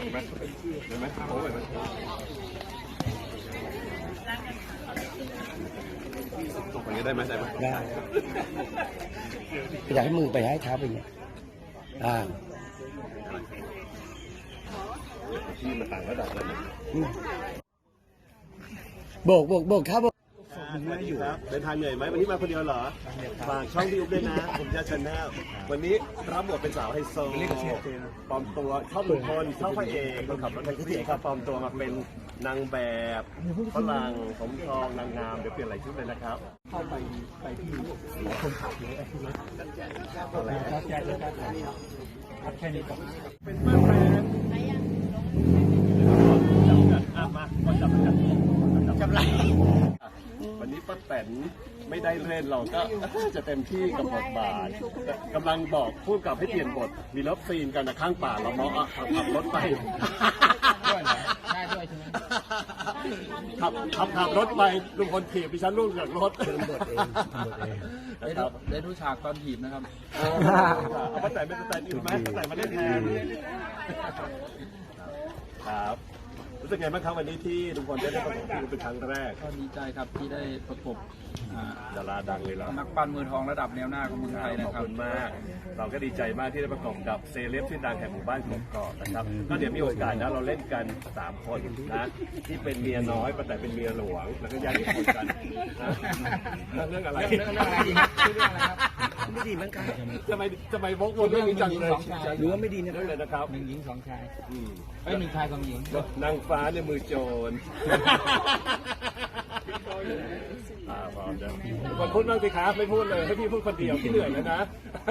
ไหมเห็นไหมโอ้ยตกไปได้ไหมได้ไหมได้อยากให้มือไปให้เท้าไปอย่างเงี้ยที่มันต่างระดับแล้วโบกครับโบกอยู่ครับเดินทางเหนื่อยไหมวันนี้มาคนเดียวเหรอฝากช่องพี่อุ๊บด้วยนะผมจะชาแนลวันนี้รับบทเป็นสาวไฮโซปลอมตัวชอบลุงพลชอบพระเอกคนขับรถแท็กซี่ครับปลอมตัวมาเป็นนางแบบฝรั่งผมทองนางงามเดี๋ยวเปลี่ยนหลายชุดเลยนะครับเข้าไปที่คนขับเยอะอะไรแค่นี้ก่อนเป็นเพื่อนแฟนมาจับไรวันนี้ป้าแตนไม่ได้เล่นเราก็จะเต็มที่กับบทบาทกำลังบอกพูดกับให้เปลี่ยนบทมีรถซีนกันนะข้างป่าเรามองขับรถไปขับรถไปลุงพลถีบดิฉันลูกจากรถได้ดูฉากตอนถีบนะครับป้าแตนเป็นป้าแตนอยู่ไหมป้าแตนมาเล่นแทนครับรู้สึกไงบ้างครับวันนี้ที่ลุงพลได้ประกบคู่เป็นครั้งแรกก็ดีใจครับที่ได้ประกบดาราดังเลยล่ะนักปั้นมือทองระดับแนวหน้าของเมืองไทยนะครับขอบคุณมากเราก็ดีใจมากที่ได้ประกบกับเซเลบที่ดังแห่งหมู่บ้านกกอกนะครับก็เดี๋ยวมีโอกาสนะเราเล่นกัน3คนนะที่เป็นเมียน้อยแต่เป็นเมียหลวงแล้วก็แยกเป็นคนกันเรื่องอะไรเรื่องอะไรครับไม่ดีมั้งครับจะไปวกวนเรื่องนี้จังเลยหรือว่าไม่ดีนะเลยนะครับ 1 หญิง 2 ชาย1 ชาย 2 หญิงนางฟ้าในมือโจรพร้อมจะคนพูดบ้างสิครับไม่พูดเลยให้พี่พูดคนเดียวพี่เหนื่อยแล้วนะ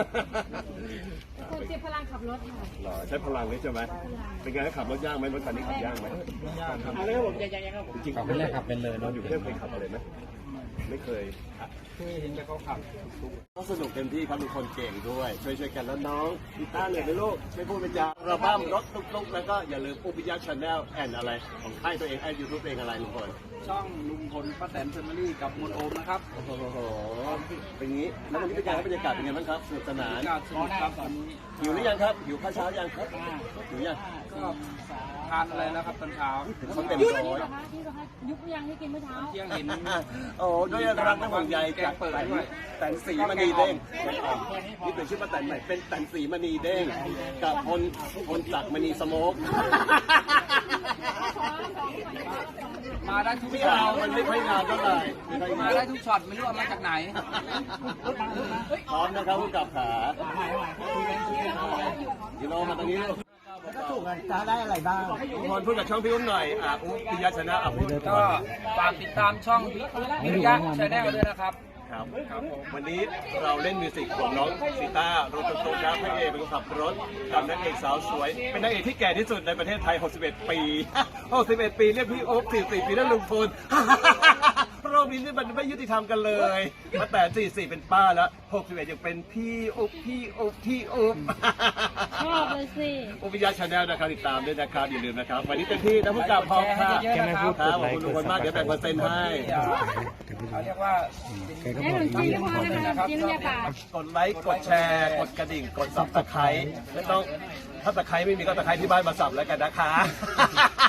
คนเจ็บพลังขับรถค่ะหรอใช้พลังเลยใช่ไหมเป็นไงขับรถยากไหมรถคันนี้ขับยากไหมไม่ยากครับอะไรครับผมยังครับจริงเป็นแรกขับเป็นเลยนอนอยู่เทพเคยขับอะไรไหมไม่เคยเห็นแต่เขาขับก็สนุกเต็มที่ครับมีคนเก่งด้วยช่วยกันแล้วน้องกีตาร์เลยนะลูกไม่พูดเป็นยาระบ้ามรถลุกแล้วก็อย่าลืมอุปยาชาแนลแอนอะไรของค่ายตัวเองไอยูทูบเองอะไรลุงพลช่องลุงพลป้าแตนแฟมิลี่กับมนโอมนะครับโอ้โหเป็นงี้แล้ววันนี้เป็นการบรรยากาศเป็นไงบ้างครับสนุกสนานสนุกครับตอนนี้หิวหรือยังครับหิวข้าวเช้ายังครับหิวยังก็ทานอะไรแล้วครับตอนเช้าเขาเต็มร้อยยุบยังที่กินเมื่อเช้าเที่ยงเห็นโอ้ด้วยรักและห่วงใยจากแต่นสีมณีเด้งนี่เป็นชื่อป้าแตนใหม่เป็นแต่นสีมณีเด้งกับพลจักรมณีสโมกมาได้ทุกช็อตมันไม่ค่อยนานเท่าไหร่มาได้ทุกช็อตไม่รู้เอามาจากไหนพร้อมนะครับผู้กับขากิโลมาตรงนี้ลูกก็ถูกกันจะได้อะไรบ้างพรพูดกับช่องพี่อุ้มหน่อยอุ้มพิยาชนะก็ฝากติดตามช่องพิยาชาแนลด้วยนะครับวันนี้เราเล่นมิวสิกของน้องซีต้ารถตุ๊กนะพระเอกเป็นคนขับรถกับนางเอกสาวสวยเป็นนางเอกที่แก่ที่สุดในประเทศไทย61 ปี61 ปีเรียกพี่โอ๊ค44 ปีแล้วลุงพลโลกนี้นี่มันไม่ยุติธรรมกันเลยมาแต่44เป็นป้าแล้ว61ยังเป็นพี่อุ๊บชอบเลยสิอุปยาชาแนลนะครับติดตามด้วยนะครับอย่าลืมนะครับวันนี้เต็มที่นะผู้กำกับพร้อมค่ะขอบคุณลุงพลมากเดี๋ยวแบ่งเปอร์เซ็นต์ให้เขาเรียกว่ากดไลค์กดแชร์กดกระดิ่งกดซับสไครต์ไม่ต้องถ้าตะไคร้ไม่มีก็ตะไคร้ที่บ้านมาสับแล้วกันนะคะ